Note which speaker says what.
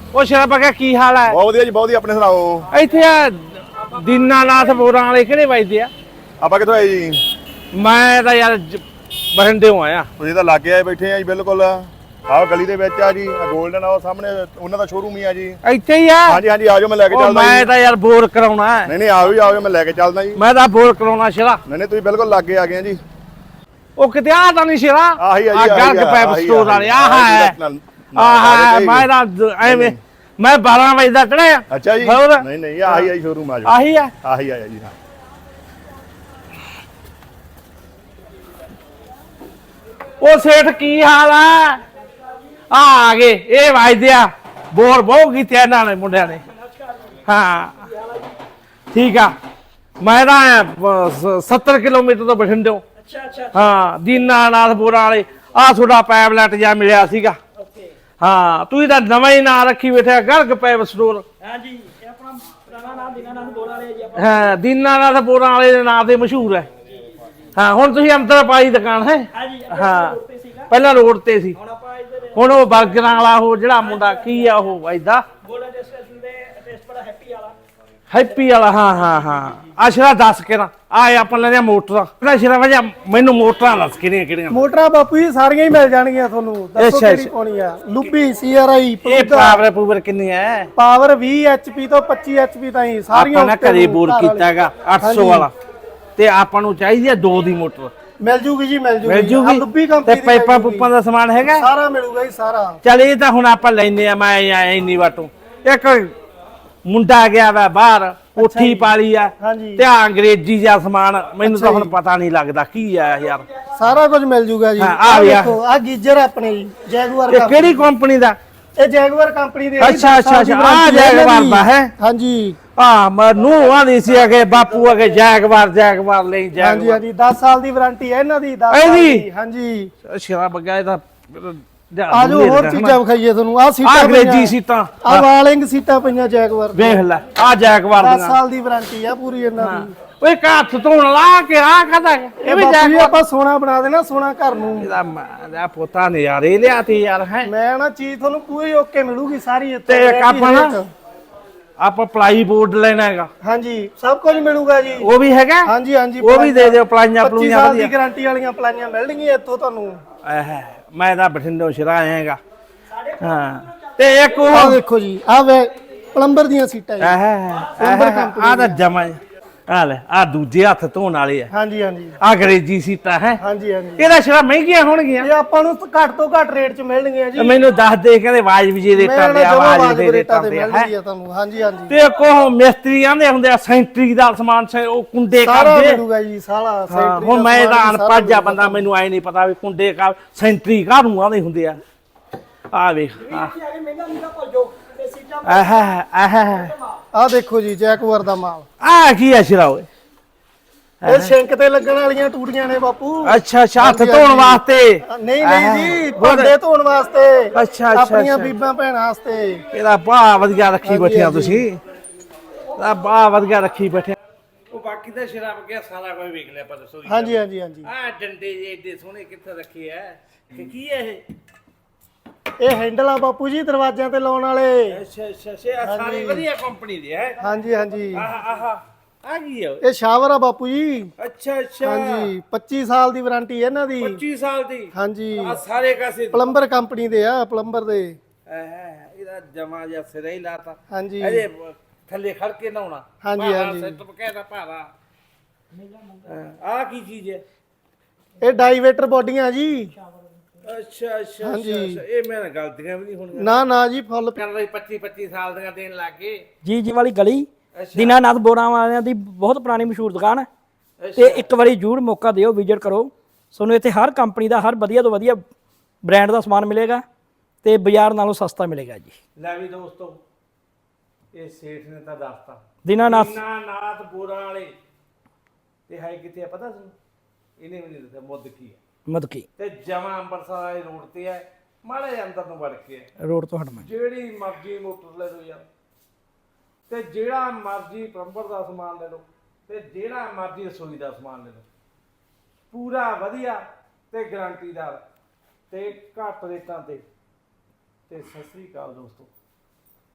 Speaker 1: ਉਹ ਸ਼ਰਾਬਾ ਕਾ ਕੀ ਹਾਲ ਹੈ?
Speaker 2: ਬਹੁਤ ਵਧੀਆ ਜੀ, ਬਹੁਤ ਵਧੀਆ। ਆਪਣੇ ਸੁਣਾਓ।
Speaker 1: ਇੱਥੇ ਆ ਦੀਨਾਨਾਥ ਬੋਰਾਂ ਵਾਲੇ ਕਿਹੜੇ ਵੱਜਦੇ ਆ?
Speaker 2: ਆਪਾਂ ਕਿੱਥੋਂ ਆਏ ਜੀ?
Speaker 1: ਮੈਂ ਤਾਂ ਯਾਰ ਬਠਿੰਡਿਓਂ ਆਇਆ।
Speaker 2: ਤੁਸੀਂ ਤਾਂ ਲਾਗੇ ਆਏ ਬੈਠੇ ਆ ਜੀ, ਬਿਲਕੁਲ ਆਹ ਗਲੀ ਦੇ ਵਿੱਚ ਆ ਜੀ, ਗੋਲਡਨ ਆ ਸਾਹਮਣੇ ਉਹਨਾਂ ਦਾ ਸ਼ੋਰੂਮ ਹੀ ਆ ਜੀ।
Speaker 1: ਇੱਥੇ ਹੀ ਆ?
Speaker 2: ਹਾਂਜੀ ਹਾਂਜੀ, ਆਜੋ ਮੈਂ ਲੈ ਕੇ ਚੱਲਦਾ।
Speaker 1: ਮੈਂ ਤਾਂ ਯਾਰ ਬੋਰ ਕਰਾਉਣਾ ਹੈ।
Speaker 2: ਨਹੀਂ ਨਹੀਂ, ਆਓ ਜੀ ਆਓ, ਮੈਂ ਲੈ ਕੇ ਚੱਲਦਾ ਜੀ।
Speaker 1: ਮੈਂ ਤਾਂ ਬੋਰ ਕਰਾਉਣਾ ਸ਼ਰਾ।
Speaker 2: ਨਹੀਂ ਨਹੀਂ, ਤੁਸੀਂ ਬਿਲਕੁਲ ਲਾਗੇ ਆ ਗਏ ਆ ਜੀ।
Speaker 1: ਉਹ ਕਿਤੇ ਆ ਤਾਂ ਨਹੀਂ ਸ਼ਰਾ?
Speaker 2: ਆਹੀ ਆ ਜੀ,
Speaker 1: ਗਰਗ ਪੈਪ ਸਟੋਰ ਵਾਲੇ ਆਹ ਹੈ। ਆਹ ਮੈਂ ਤਾਂ ਐਵੇਂ ਮੈਂ 12 ਵਜੇ ਦਾ ਚੜਿਆ।
Speaker 2: ਅੱਛਾ ਜੀ। ਨਹੀਂ ਨਹੀਂ, ਆਹੀ ਆ ਸ਼ੋਰੂਮ। ਆਜੋ।
Speaker 1: ਆਹੀ ਆ?
Speaker 2: ਆਹੀ ਆਇਆ ਜੀ। ਹਾਂ
Speaker 1: ਉਹ ਸੇਠ ਕੀ ਹਾਲ ਆ? ਆ ਗਏ ਇਹ ਵੱਜਦੇ ਆ ਬੋਰ ਬਹੁਤ ਕੀਤੇ ਇਹਨਾਂ ਨੇ ਮੁੰਡਿਆਂ ਨੇ। ਹਾਂ ਠੀਕ ਆ। ਮੈਂ ਤਾਂ 70 ਕਿਲੋਮੀਟਰ ਤੋਂ ਬਠਿੰਡਿਓਂ। ਹਾਂ ਦੀਨਾਨਾਥ ਬੋਰਾਂ ਵਾਲੇ। ਆ ਤੁਹਾਡਾ ਪੈਪਲੈਟ ਜਾਂ ਮਿਲਿਆ ਸੀਗਾ। ਹਾਂ ਤੁਸੀਂ ਤਾਂ ਨਵਾਂ ਹੀ ਨਾਂ ਰੱਖੀ ਬੈਠਿਆ, ਗਰਗ ਪੈਪ ਸਟੋਰ।
Speaker 3: ਹਾਂਜੀ, ਇਹ ਆਪਣਾ ਪੁਰਾਣਾ ਨਾਮ ਦੀਨਾਨਾਥ ਬੋਰਾਂ ਵਾਲੇ ਜੀ।
Speaker 1: ਹਾਂ ਦੀਨਾਨਾਥ ਬੋਰਾਂ ਵਾਲੇ ਦੇ ਨਾਂ ਤੇ ਮਸ਼ਹੂਰ ਹੈ। ਹਾਂ ਹੁਣ ਤੁਸੀਂ ਅੰਦਰ ਪਾਈ ਦੁਕਾਨ ਹੈ?
Speaker 3: ਹਾਂਜੀ,
Speaker 1: ਹਾਂ ਪਹਿਲਾਂ ਰੋਡ ਤੇ ਸੀ,
Speaker 3: ਹੁਣ ਆਪਾਂ ਇੱਧਰ
Speaker 1: ਹੁਣ ਉਹ ਬਰਗਰਾਂ ਵਾਲਾ ਉਹ ਜਿਹੜਾ ਮੁੰਡਾ ਕੀ ਆ ਉਹ ਵੱਜਦਾ
Speaker 3: ਗੋਲਡਨ ਰੈਸਟੋਰੈਂਟ ਦੇ ਟੇਸਟ ਬੜਾ ਹੈਪੀ ਵਾਲਾ।
Speaker 1: ਹੈਪੀ ਵਾਲਾ। ਹਾਂ ਹਾਂ ਹਾਂ। ਆਸ਼ਰਾ ਦੱਸ ਕੇ ਨਾ ਆ ਆਪਾਂ ਲੈਣੀਆਂ ਮੋਟਰਾਂ। ਆਸ਼ਰਾ ਵਜਾ ਮੈਨੂੰ ਮੋਟਰਾਂ ਦੱਸ ਕਿਹੜੀਆਂ ਕਿਹੜੀਆਂ
Speaker 4: ਮੋਟਰਾਂ ਬਾਪੂ ਜੀ ਸਾਰੀਆਂ ਹੀ ਮਿਲ ਜਾਣਗੀਆਂ ਤੁਹਾਨੂੰ। ਦੱਸੋ
Speaker 1: ਅੱਛਾ,
Speaker 4: ਕਿਹੜੀ ਪਾਉਣੀ ਆ? ਲੁੱਬੀ, ਸੀਆਰਆਈ,
Speaker 1: ਇਹ ਪਾਵਰ ਕਿੰਨੀ ਹੈ?
Speaker 4: ਪਾਵਰ 20 ਐਚਪੀ ਤੋਂ 25 ਐਚਪੀ ਤਾਈਂ ਸਾਰੀਆਂ।
Speaker 1: ਆਪਾਂ ਨੇ ਘਰੇ ਬੋਰ ਕੀਤਾ ਹੈਗਾ 800 ਵਾਲਾ, ਤੇ ਆਪਾਂ ਨੂੰ ਚਾਹੀਦੀ ਹੈ 2 ਦੀ ਮੋਟਰ।
Speaker 4: ਮਿਲ ਜੂਗੀ ਜੀ, ਮਿਲ
Speaker 1: ਮਿਲ
Speaker 4: ਜੂਗੀ।
Speaker 1: ਜੂਗੀ
Speaker 4: ਲੁੱਬੀ
Speaker 1: ਤੇ
Speaker 4: ਕੰਪਨੀ ਦੀ
Speaker 1: ਪਾਈਪਾਂ ਪੁੱਪਾਂ ਦਾ ਸਮਾਨ ਹੈਗਾ?
Speaker 4: ਸਾਰਾ ਮਿਲੂਗਾ ਜੀ, ਸਾਰਾ।
Speaker 1: ਚੱਲ ਇਹ ਤਾਂ ਹੁਣ ਆਪਾਂ ਲੈਨੇ ਆ। ਮੈਂ ਇੰਨੀ ਵਾਟੋਂ ਇੱਕ ਮੁੰਡਾ ਗਿਆ ਵਾ ਬਾਹਰ, ਕੋਠੀ ਪਾਲੀ ਆ
Speaker 4: ਹਾਂਜੀ,
Speaker 1: ਤੇ ਆ ਅੰਗਰੇਜ਼ੀ ਜਿਹਾ ਸਮਾਨ ਮੈਨੂੰ ਤਾਂ ਹੁਣ ਪਤਾ ਨਹੀਂ ਲੱਗਦਾ ਕੀ ਆ ਯਾਰ।
Speaker 4: ਸਾਰਾ ਕੁਝ ਮਿਲ ਜੂਗਾ ਜੀ।
Speaker 1: ਹਾਂ, ਆ ਗਿਆ।
Speaker 4: ਦੇਖੋ ਆ ਗੀਜ਼ਰ ਆਪਣੇ ਜੀ, ਜੈਗੁਆਰ
Speaker 1: ਇਹ ਕਿਹੜੀ ਕੰਪਨੀ ਦਾ?
Speaker 4: ਇਹ ਜੈਗੁਆਰ ਕੰਪਨੀ ਦੇ।
Speaker 1: ਅੱਛਾ ਅੱਛਾ ਅੱਛਾ, ਆ ਜੈਗਵਾਰ ਦਾ ਹੈ?
Speaker 4: ਹਾਂਜੀ
Speaker 1: ਮੈਨੂੰ ਆਂਦੀ ਸੀ ਅਗੇ ਬਾਪੂ ਅਗੇ ਜੈਗਵਾਰ ਲਈ
Speaker 4: ਹਾਂਜੀ
Speaker 1: ਜੈਗਵਾਰ।
Speaker 4: ਹਾਂਜੀ, 10 ਸਾਲ ਦੀ ਵਾਰੰਟੀ ਹੈ ਇਹਨਾਂ ਦੀ। 10 ਸਾਲ
Speaker 1: ਇਹਦੀ?
Speaker 4: ਦੀ। ਹਾਂਜੀ
Speaker 1: ਸ਼ਰਾਬ ਗਿਆ ਇਹਦਾ।
Speaker 4: ਆਜੋ ਹੋਰ ਚੀਜ਼ਾਂ ਵਿਖਾਈਏ ਤੁਹਾਨੂੰ। ਆ ਸੀਟਾਂ
Speaker 1: ਅੰਗਰੇਜ਼ੀ ਸੀਟਾਂ,
Speaker 4: ਆ ਵਾਲਿੰਗ ਸੀਟਾਂ ਪਈਆਂ ਜੈਗੁਆਰ ਦੀਆਂ।
Speaker 1: ਵੇਖ ਲੈ ਆ ਜੈਗਵਾਰ
Speaker 4: 10
Speaker 1: ਦੀਆਂ।
Speaker 4: ਸਾਲ ਦੀ ਵਾਰੰਟੀ ਆ ਪੂਰੀ ਇਹਨਾਂ ਦੀ।
Speaker 1: ਓਏ ਹੱਥ ਧੋਣ ਲਾ ਕੇ ਆ ਕਹਦਾ ਇਹ ਵੀ
Speaker 4: ਬਾਪੂ ਜੀ
Speaker 1: ਜੈਗਵਾਰ।
Speaker 4: ਆਪਾਂ ਸੋਨਾ ਬਣਾ ਦੇਣਾ, ਸੋਨਾ ਘਰ ਨੂੰ।
Speaker 1: ਇਹਦਾ ਪੋਤਾ ਨਜ਼ਾਰੇ ਲਿਆ ਤੇ ਯਾਰ ਹੈ।
Speaker 4: ਮੈਂ ਨਾ ਚੀਜ਼ ਤੁਹਾਨੂੰ ਪੂਰੀ ਓਕੇ ਮਿਲੂਗੀ ਸਾਰੀ ਇੱਥੇ।
Speaker 1: ਤੇ ਇੱਕ ਆਪਾਂ ਪਲਾਈ ਬੋਰਡ ਲੈਣਾ ਹੈਗਾ।
Speaker 4: ਹਾਂਜੀ ਸਭ ਕੁਝ ਮਿਲੂਗਾ ਜੀ।
Speaker 1: ਉਹ ਵੀ ਹੈਗਾ?
Speaker 4: ਹਾਂਜੀ ਹਾਂਜੀ,
Speaker 1: ਉਹ ਵੀ ਦੇ ਦਿਓ ਪਲਾਈਆਂ
Speaker 4: 25
Speaker 1: ਪਲੂਈਆਂ
Speaker 4: ਸਾਲ ਦੀ
Speaker 1: ਵਧੀਆ।
Speaker 4: ਗਾਰੰਟੀ ਵਾਲੀਆਂ ਪਲਾਈਆਂ ਮਿਲਣਗੀਆਂ ਇੱਥੋਂ ਤੁਹਾਨੂੰ।
Speaker 1: ਮੈਂ ਤਾਂ ਬਠਿੰਡੋਂ ਸ਼ਰਾ ਆਏਗਾ। ਹਾਂ ਤੇ ਇੱਕ ਉਹ
Speaker 4: ਆਹ ਦੇਖੋ ਜੀ, ਆਹ ਵੇ ਪਲੰਬਰ ਦੀਆਂ ਸੀਟਾਂ ਜੀ।
Speaker 1: ਆ ਤਾਂ ਜਮਾ ਆ ਲੈ ਆ ਦੂਜੇ ਹੱਥ ਧੋਣ ਵਾਲੇ ਆ।
Speaker 4: ਹਾਂਜੀ ਹਾਂਜੀ
Speaker 1: ਆ ਅੰਗਰੇਜ਼ੀ ਸੀਟਾਂ ਹੈ।
Speaker 4: ਹਾਂਜੀ ਹਾਂਜੀ,
Speaker 1: ਇਹਦਾ ਸ਼ਰਾ ਮਹਿੰਗੀਆਂ ਹੋਣਗੀਆਂ?
Speaker 4: ਇਹ ਆਪਾਂ ਨੂੰ ਘੱਟ ਤੋਂ ਘੱਟ ਰੇਟ 'ਚ ਮਿਲਣਗੀਆਂ ਜੀ।
Speaker 1: ਮੈਨੂੰ ਦੱਸ ਦੇ ਕਹਿੰਦੇ ਵਾਜਬ ਜੀ ਰੇਟਾਂ ਦੇ ਆਵਾਜ਼ ਦੇ ਰੇਟਾਂ ਦੇ
Speaker 4: ਮਿਲਣਗੀ ਤੁਹਾਨੂੰ। ਹਾਂਜੀ ਹਾਂਜੀ,
Speaker 1: ਤੇ ਕੋ ਮਿਸਤਰੀ ਆਂਦੇ ਹੁੰਦੇ ਆ ਸੈਂਟਰੀ ਦਾ ਸਮਾਨ ਉਹ ਕੁੰਡੇ
Speaker 4: ਸਾਰਾ
Speaker 1: ਕਰਦੇ
Speaker 4: ਮਿਲੂਗਾ ਜੀ, ਸਾਰਾ ਸੈਂਟਰੀ।
Speaker 1: ਹੁਣ ਮੈਂ ਤਾਂ ਅਨਪੜ੍ਹ ਆ ਬੰਦਾ, ਮੈਨੂੰ ਆਏ ਨਹੀਂ ਪਤਾ ਵੀ ਕੁੰਡੇ ਕਾ ਸੈਂਟਰੀ ਕਾਹਨੂੰ ਆਂਦੇ ਹੁੰਦੇ ਆ। ਆ ਵੇਖ
Speaker 3: ਮਹਿੰਗਾ ਮਹਿੰਗਾ ਭੁੱਲ ਜਾਓ ਤੇ ਸੀਟਾਂ।
Speaker 4: ਆਹ ਦੇਖੋ ਜੀ ਜੈਗੁਆਰ ਦਾ ਮਾਲ।
Speaker 1: ਆ ਕੀ ਆ ਸ਼ਰਾ ਓਏ?
Speaker 4: ਇਹ ਸਿੰਕ ਤੇ ਲੱਗਣ ਵਾਲੀਆਂ ਟੂਟੀਆਂ ਨੇ ਬਾਪੂ।
Speaker 1: ਅੱਛਾ ਅੱਛਾ, ਹੱਥ ਧੋਣ ਵਾਸਤੇ?
Speaker 4: ਨਹੀਂ ਨਹੀਂ ਜੀ, ਭਾਂਡੇ ਧੋਣ ਵਾਸਤੇ।
Speaker 1: ਅੱਛਾ
Speaker 4: ਆਪਣੀਆਂ ਬੀਬਾਂ ਭੈਣਾਂ ਵਾਸਤੇ।
Speaker 1: ਇਹਦਾ ਬਾ ਵਧੀਆ ਰੱਖੀ ਬੈਠਿਆ ਤੁਸੀਂ। ਇਹਦਾ ਬਾ ਵਧੀਆ ਰੱਖੀ ਬੈਠਿਆ। ਉਹ ਬਾਕੀ ਤਾਂ ਸ਼ਰਾਬ ਗਿਆ ਸਾਰਾ ਕੋਈ ਵੇਖ ਲਿਆ, ਪਰ ਦੱਸੋ।
Speaker 4: ਹਾਂਜੀ ਹਾਂਜੀ ਹਾਂਜੀ,
Speaker 1: ਆ ਡੰਡੇ ਜੇ ਏਡੇ ਸੋਹਣੇ ਕਿੱਥੇ ਰੱਖੇ ਐ? ਕੀ ਹੈ ਇਹ?
Speaker 4: ਇਹ ਹੈਂਡਲ ਆ ਬਾਪੂ ਜੀ ਦਰਵਾਜ਼ਿਆਂ ਤੇ ਲਾਉਣ ਵਾਲੇ।
Speaker 1: ਅੱਛਾ ਅੱਛਾ, ਸਾਰੀ ਵਧੀਆ ਕੰਪਨੀ ਦੇ ਹੈ।
Speaker 4: ਹਾਂਜੀ ਹਾਂਜੀ,
Speaker 1: ਆਹ ਆ ਕੀ ਹੈ?
Speaker 4: ਇਹ ਸ਼ਾਵਰ ਆ ਬਾਪੂ ਜੀ।
Speaker 1: ਅੱਛਾ ਅੱਛਾ,
Speaker 4: ਹਾਂਜੀ 25 ਸਾਲ ਦੀ ਵਾਰੰਟੀ ਹੈ ਇਹਨਾਂ ਦੀ।
Speaker 1: 25 ਸਾਲ ਦੀ?
Speaker 4: ਹਾਂਜੀ,
Speaker 1: ਆ ਸਾਰੇ ਕਾਸੇ
Speaker 4: ਪਲੰਬਰ ਕੰਪਨੀ ਦੇ ਆ, ਪਲੰਬਰ ਦੇ।
Speaker 1: ਇਹਦਾ ਜਮਾ ਜਿਹਾ ਸਿਰਾ ਹੀ ਲਾਤਾ।
Speaker 4: ਹਾਂਜੀ
Speaker 1: ਇਹਦੇ ਥੱਲੇ ਖੜ ਕੇ ਨਹਾਉਣਾ।
Speaker 4: ਹਾਂਜੀ ਹਾਂਜੀ,
Speaker 1: ਸੈੱਟ ਬਕਾਇਦਾ ਭਾਰਾ। ਆ ਕੀ ਚੀਜ਼ ਹੈ?
Speaker 4: ਇਹ ਡਾਈਵੇਟਰ ਬੋਡੀਆਂ ਜੀ।
Speaker 1: ਅੱਛਾ ਅੱਛਾ
Speaker 4: ਹਾਂਜੀ।
Speaker 1: ਇਹ ਮੈਂ ਗਲਤੀਆਂ ਵੀ ਨਹੀਂ ਹੋਣੀਆਂ।
Speaker 4: ਨਾ ਨਾ ਜੀ, ਫੁੱਲ।
Speaker 1: ਕਰ ਲਈ 25 ਸਾਲ ਦੀਆਂ ਦੇਣ ਲੱਗ ਗਏ।
Speaker 3: ਜੀ ਵਾਲੀ ਗਲੀ ਦੀਨਾਨਾਥ ਬੋਰਾਂ ਵਾਲਿਆਂ ਦੀ ਬਹੁਤ ਪੁਰਾਣੀ ਮਸ਼ਹੂਰ ਦੁਕਾਨ ਹੈ। ਤੇ ਇੱਕ ਵਾਰੀ ਜ਼ਰੂਰ ਮੌਕਾ ਦਿਓ, ਵਿਜ਼ਿਟ ਕਰੋ। ਤੁਹਾਨੂੰ ਇੱਥੇ ਹਰ ਕੰਪਨੀ ਦਾ ਹਰ ਵਧੀਆ ਤੋਂ ਵਧੀਆ ਬ੍ਰਾਂਡ ਦਾ ਸਮਾਨ ਮਿਲੇਗਾ ਤੇ ਬਾਜ਼ਾਰ ਨਾਲੋਂ ਸਸਤਾ ਮਿਲੇਗਾ ਜੀ।
Speaker 1: ਲੈ ਵੀ ਦੋਸਤੋ, ਇਹ ਸੇਠ ਨੇ ਤਾਂ ਦੱਸਤਾ
Speaker 3: ਦੀਨਾਨਾਥ
Speaker 1: ਬੋਰਾਂ ਵਾਲੇ। ਤੇ ਹੈ ਕਿੱਥੇ ਆ ਪਤਾ ਤੁਹਾਨੂੰ? ਇਹਨੇ ਵੀ ਨਹੀਂ ਦੱਸਿਆ ਮੁੱਦ ਕੀ ਹੈ।
Speaker 3: ਮਦਕੀ
Speaker 1: ਤੇ ਜਮਾ ਅੰਮ੍ਰਿਤਸਰ ਵਾਲੇ ਰੋਡ ਤੇ ਹੈ, ਮਾੜੇ ਜਿਹੇ ਅੰਦਰ ਨੂੰ ਵੜ ਕੇ ਹੈ।
Speaker 3: ਰੋਡ ਤੋਂ ਹਟਣਾ।
Speaker 1: ਜਿਹੜੀ ਮਰਜ਼ੀ ਮੋਟਰ ਲੈ ਲਓ ਯਾਰ, ਤੇ ਜਿਹੜਾ ਮਰਜ਼ੀ ਪਲੰਬਰ ਦਾ ਸਮਾਨ ਲੈ ਲਓ, ਤੇ ਜਿਹੜਾ ਮਰਜ਼ੀ ਰਸੋਈ ਦਾ ਸਮਾਨ ਲੈ ਲਓ। ਪੂਰਾ ਵਧੀਆ ਤੇ ਗਾਰੰਟੀਦਾਰ ਤੇ ਘੱਟ ਰੇਟਾਂ ਤੇ। ਸਤਿ ਸ੍ਰੀ ਅਕਾਲ ਦੋਸਤੋ।